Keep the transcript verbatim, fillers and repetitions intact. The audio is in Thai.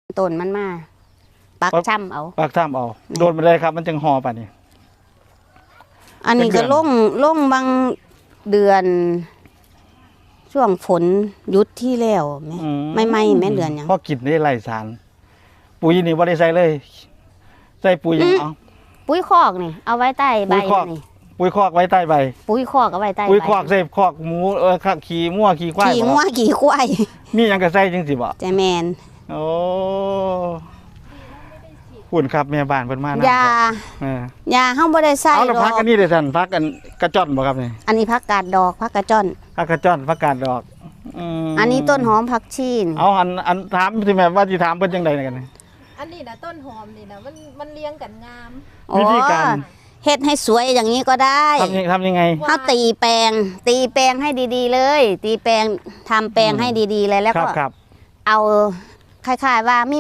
ต้นมันมาปักช่ำเอาปักท่ามเอาโดนไปเลยครับมันจึงห่อป่ะนี่อันนี้ก็ล่งล่งบางเดือน ช่วงฝนยุดที่แล้วแม่ไม่ไม่แม่เดือนยังพอกินได้ไรสารปุ๋ยนี่บ่ได้ใส่เลยใส่ปุ๋ยยังเอาปุ๋ยคอกนี่เอาไว้ใต้ใบนี่ปุ๋ยคอกไว้ใต้ใบปุ๋ยคอกเอาไว้ใต้ใบปุ๋ยคอกใส่คอกหมูเออขี่มั่วขี่ควายขี่งัวขี่ควายมีหยังก็ใส่จังสิบ่ใจแมนโอ้หุ่นครับแม่บ้านเพิ่นมานะยาเออยาเฮาบ่ได้ใส่เอาแล้วดอพักกอันนี้เด้อท่านพักอันกระจ้อนบ่ครับนี่อันนี้ผักกาดดอกผักกระจ้อนพักกระจ้อนพักกาดดอกมอันนี้ต้นหอมผักชีนเอาอันอันถามสิแม่ว่าสิถามเพิ่นจังได๋กันนี่อันนี้นะต้นหอมนี่นะมันมันเลี้ยงกันงามวิธีการอ๋อเฮ็ดให้สวยอย่างนี้ก็ได้ทำยังทำยังไงเฮาตีแปลง ตีแปลงให้ดีๆเลย ตีแปลงทำแปลงให้ดีๆเลยแล้วครัก็บครับเอาคล้ายๆว่ามี